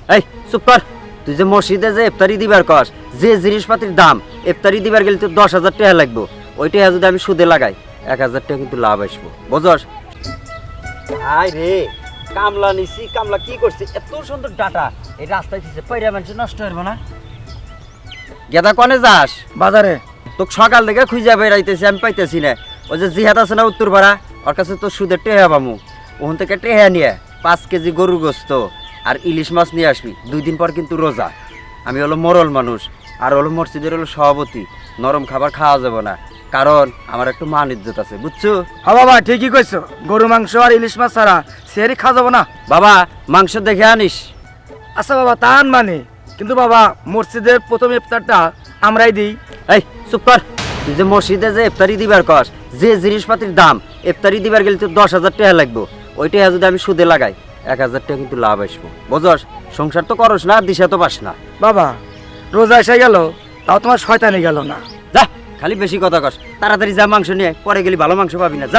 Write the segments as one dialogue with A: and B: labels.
A: এই চুপ কর। তুই যে মসজিদে যে ইফতারি দিবার কস, যে জিনিসপাতির দাম ইফতারি দিবার গেলে তো 10,000 টাকা লাগবো। ওই টাকা যদি আমি সুদে লাগাই 1,000 টাকা কিন্তু লাভ আসবো, বুঝস? আয় রে, কামলা নিছি, কামলা কি করছে? এত সুন্দর ডাটা এই রাস্তায় দিছে, পয়রা মানুষ নষ্ট হইব না। গেদা কনে যাস?
B: বাজারে।
A: তোকে সকাল থেকে খুঁজে বেড়াইতেছি, আমি পাইতেছি না। ওই যে জিহাদ আছে না উত্তর পাড়া, ওর কাছে তো সুদের টেহা পামু। ওখান থেকে টেহা নিয়ে 5 কেজি গরুর গোস্ত আর ইলিশ মাছ নিয়ে আসবি। 2 দিন পর কিন্তু রোজা। আমি হলো মরল মানুষ, আর হলো মসজিদের হলো সভাপতি। নরম খাবার খাওয়া যাবে না, কারণ আমার একটু মান ইজ্জত আছে, বুঝছো?
B: হ্যাঁ বাবা, ঠিকই কইছো। গরু মাংস আর ইলিশ মাছ ছাড়া সেহারি খাওয়া যাবো না।
A: বাবা মাংস দেখে আনিস।
B: আচ্ছা বাবা, তান মানে, কিন্তু বাবা মসজিদের প্রথম ইফতারটা আমরাই দিই।
A: এই চুপ কর। তুই যে মসজিদে যে ইফতারি দিবার কস, যে জিনিসপাতির দাম ইফতারি দিবার গেলে তো 10,000 টাকা লাগবো। ওই টাকা যদি আমি সুদে লাগাই 1,000 টাকা কিন্তু লাভ আসবো, বুঝস? সংসার তো করস না, দিশা তো পাস না।
B: বাবা রোজা এসে গেল, তাও তোমার শয়তানি গেল না।
A: যা, খালি বেশি কথা কস। তাড়াতাড়ি যা, মাংস নিয়ে পরে গেলি ভালো মাংস পাবি না। যা।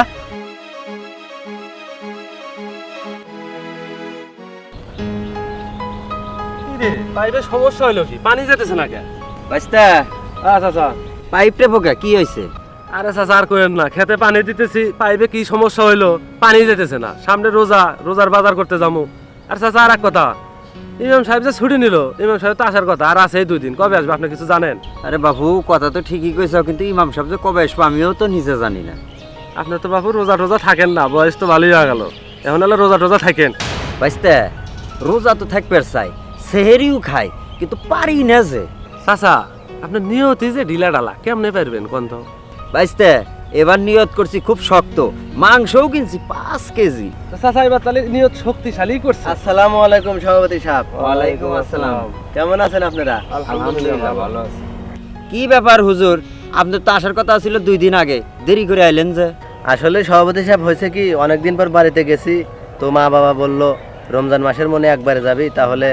C: পাইপের সমস্যা হইলো কি? পানি যেতেছে না কে?
A: বাইস্তা,
C: আচ্ছা।
A: পাইপটা পোকা কি হয়েছে?
C: আরে চাচা আর কইেন না, খেতে পানি দিতেছি, পাইপে কি সমস্যা হইলো? পানি যেতেছে না। সামনে রোজার বাজার করতে যাবো। আর চাচা আর এক কথা, ইমাম সাহেব যে ছুটি নিল, ইমাম সাহেব তো আসার কথা, আর আছে 2 দিন। কবে আসবে আপনি কিছু জানেন?
A: আরে বাবু, কথা তো ঠিকই কইছ, কিন্তু ইমাম সাহেব যে কবে আসবো আমিও তো নিজে জানি না।
C: আপনি তো বাবু রোজা থাকেন না, বয়স তো ভালোই হয়ে গেল। এখন হলে রোজা থাকেন।
A: বাইস্তা, রোজা তো থাকবে চাই, সেহেরিও খাই, কিন্তু পারি না যে।
C: চাচা আপনার নিয়তি যে ঢিলা ডালা, কেমনে পারবেন কোন তো?
A: বাইস্তা, এবার নিয়ত করছি খুব শক্ত, মাংসও কিনছি 5 কেজি।
C: চাচা এবার তাহলে নিয়ত শক্তিশালী করছে।
D: আসসালামু আলাইকুম সভাপতি সাহেব।
A: ওয়ালাইকুম আসসালাম।
D: কেমন আছেন আপনারা?
C: আলহামদুলিল্লাহ ভালো আছে।
A: কি ব্যাপার হুজুর, আপনার তো আসার কথা ছিল 2 দিন আগে, দেরি করে আইলেন যে?
D: আসলে সভাপতি সাহেব হয়েছে কি, অনেকদিন পর বাড়িতে গেছি, তো মা বাবা বলল রমজান মাসের মনে একবারে যাবি, তাহলে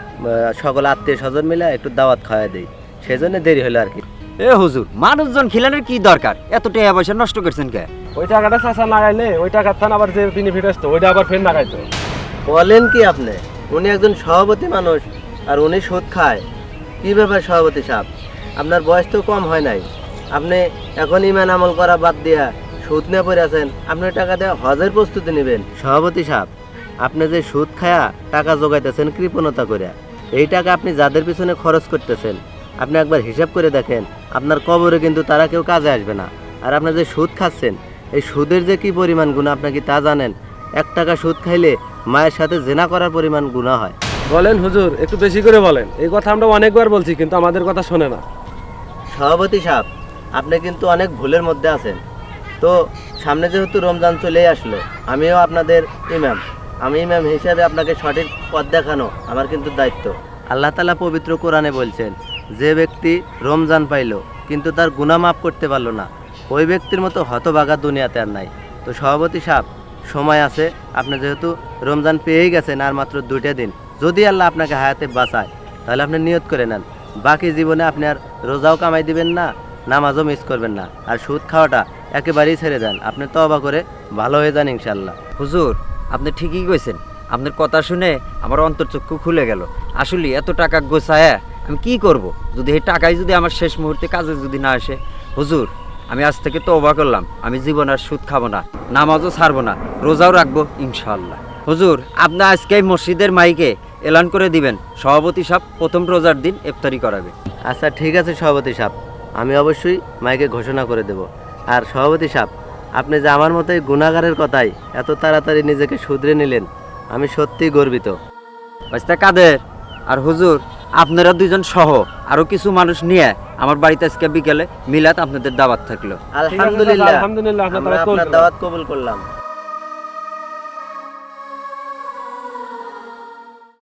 D: সকল আত্মীয় স্বজন মিলে একটু দাওয়াত খাওয়া দিই, সেই জন্য দেরি হলো আর কি।
A: এ হুজুর, মানুষজন খিলানের কি দরকার? এত টাকা পয়সা নষ্ট করছেন কে?
C: ওই টাকাটা চাচা লাগাইলে ওই টাকার থান আবার যে বেনিফিট আসতো ওইটা আবার ফের লাগাইতো।
D: বলেন কি আপনি? উনি একজন সভাপতি মানুষ আর উনি সুদ খায়? কি ব্যাপার সভাপতি সাহেব, আপনার বয়স তো কম হয় নাই, আপনি এখন ইমান আমল করা বাদ দিয়া সুদ নিয়ে পড়ে আছেন, আপনি টাকা দিয়ে হজের প্রস্তুতি নেবেন। সভাপতি সাহেব, আপনি যে সুদ খায়া টাকা জোগাইতেছেন কৃপণতা করে, এই টাকা আপনি যাদের পিছনে খরচ করতেছেন, আপনি একবার হিসাব করে দেখেন, আপনার কবরে কিন্তু তারা কেউ কাজে আসবে না। আর আপনি যে সুদ খাচ্ছেন, এই সুদের যে কি পরিমাণ গুনাহ আপনি কি তা জানেন? 1 টাকা সুদ খাইলে মায়ের সাথে জেনা করার পরিমাণ গুনাহ হয়।
C: বলেন হুজুর, একটু বেশি করে বলেন। এই কথা আমরা অনেকবার বলছি, কিন্তু আমাদের কথা শোনে না।
D: সভাপতি সাহেব, আপনি কিন্তু অনেক ভুলের মধ্যে আছেন। তো সামনে যেহেতু রমজান চলে আসলো, আমিও আপনাদের ইমাম, আমি ইমাম হিসেবে আপনাকে সঠিক পথ দেখানো আমার কিন্তু দায়িত্ব। আল্লাহ তাআলা পবিত্র কোরআনে বলছেন, যে ব্যক্তি রমজান পাইলো কিন্তু তার গুনাহ মাফ করতে পারলো না, ওই ব্যক্তির মতো হতভাগা দুনিয়াতে আর নাই। তো সভাপতি সাহেব, সময় আছে, আপনি যেহেতু রমজান পেয়েই গেছেন, আর মাত্র 2টা দিন, যদি আল্লাহ আপনাকে হায়াতে বাঁচায়, তাহলে আপনি নিয়ত করে নেন, বাকি জীবনে আপনি আর রোজাও কামাই দিবেন না, নামাজও মিস করবেন না, আর সুদ খাওয়াটা একেবারেই ছেড়ে দেন, আপনি তওবা করে ভালো হয়ে যান ইনশাল্লাহ।
A: হুজুর, আপনি ঠিকই কইছেন। আপনার কথা শুনে আমার অন্তর্চক্ষু খুলে গেল। আসলে এত টাকা গোছায় আমি কি করব, যদি এই টাকাই যদি আমার শেষ মুহূর্তে কাজে যদি না আসে? হুজুর, আমি আজ থেকে তওবা করলাম, আমি জীবন আর সুদ খাবো না, নামাজও ছাড়বো না, রোজাও রাখবো ইনশাআল্লাহ। হুজুর, আপনি আজকে মসজিদের মাইকে এলান করে দিবেন, সভাপতি সাহেব প্রথম রোজার দিন ইফতারি করাবে।
D: আচ্ছা ঠিক আছে সভাপতি সাহেব, আমি অবশ্যই মাইকে ঘোষণা করে দেব। আর সভাপতি সাহেব, আপনি যে আমার মতো এই গুনাহগারের কথাই এত তাড়াতাড়ি নিজেকে শুধরে নিলেন, আমি সত্যিই গর্বিত।
A: বাস্তা কাদের আর হুজুর, আপনারা 2জন সহ আরো কিছু মানুষ নিয়ে আমার বাড়িতে আজকে বিকেলে মিলাদ আপনাদের দাওয়াত থাকলো।
D: আলহামদুলিল্লাহ,
C: আলহামদুলিল্লাহ,
D: আমরা আপনার দাওয়াত কবুল করলাম।